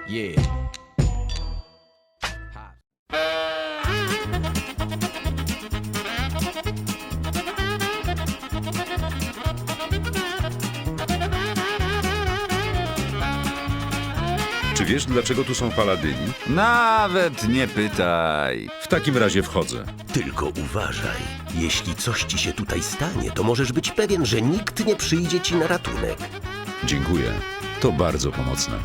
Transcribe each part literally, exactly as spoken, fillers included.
Yeah. Czy wiesz, dlaczego tu są paladyni? Nawet nie pytaj. W takim razie wchodzę. Tylko uważaj. Jeśli coś ci się tutaj stanie, to możesz być pewien, że nikt nie przyjdzie ci na ratunek. Dziękuję. To bardzo pomocne.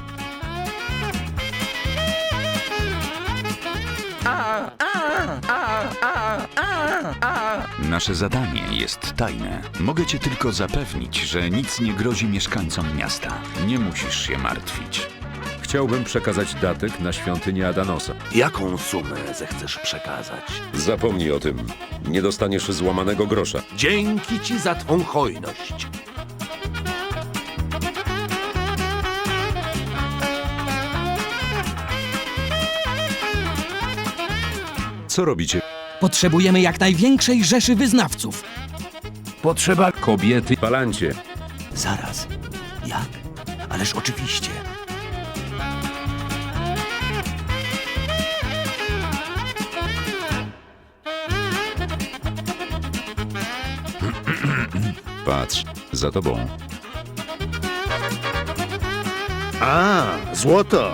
Nasze zadanie jest tajne. Mogę cię tylko zapewnić, że nic nie grozi mieszkańcom miasta. Nie musisz się martwić. Chciałbym przekazać datek na świątynię Adanosa. Jaką sumę zechcesz przekazać? Zapomnij o tym. Nie dostaniesz złamanego grosza. Dzięki ci za twą hojność. Co robicie? Potrzebujemy jak największej rzeszy wyznawców. Potrzeba Kobiety. Palancie. Zaraz. Jak? Ależ oczywiście. Patrz, za tobą. A, złoto!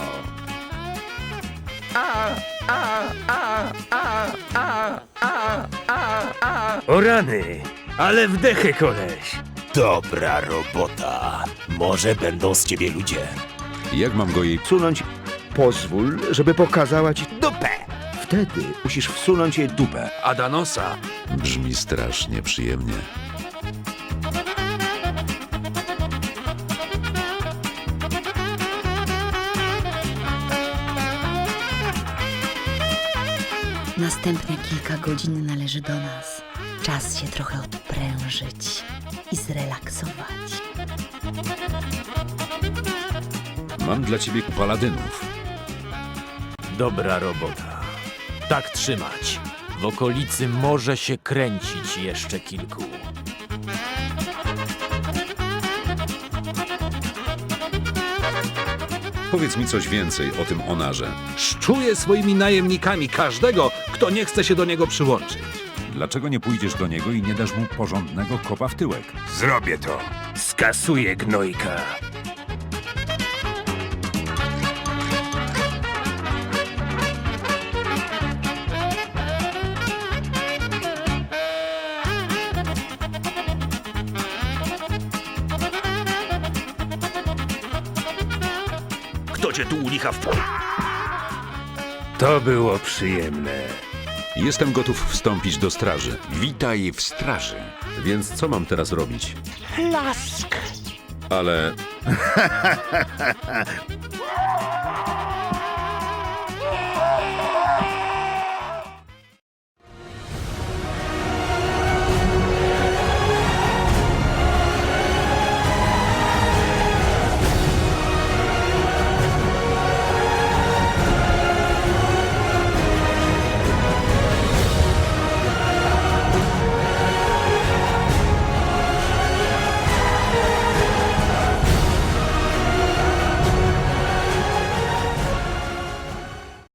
O rany, ale wdechy, koleś. Dobra robota. Może będą z ciebie ludzie. Jak mam go jej... Wsunąć. Pozwól, żeby pokazała ci dupę. Wtedy musisz wsunąć jej dupę. Adanosa. Brzmi strasznie przyjemnie. Następne kilka godzin należy do nas. Czas się trochę odprężyć i zrelaksować. Mam dla ciebie paladynów. Dobra robota. Tak trzymać. W okolicy może się kręcić jeszcze kilku. Powiedz mi coś więcej o tym Onarze. Szczuje swoimi najemnikami każdego, kto nie chce się do niego przyłączyć. Dlaczego nie pójdziesz do niego i nie dasz mu porządnego kopa w tyłek? Zrobię to. Skasuję gnojka. Kto cię tu u licha w... To było przyjemne. Jestem gotów wstąpić do straży. Witaj w straży. Więc co mam teraz robić? Lask. Ale...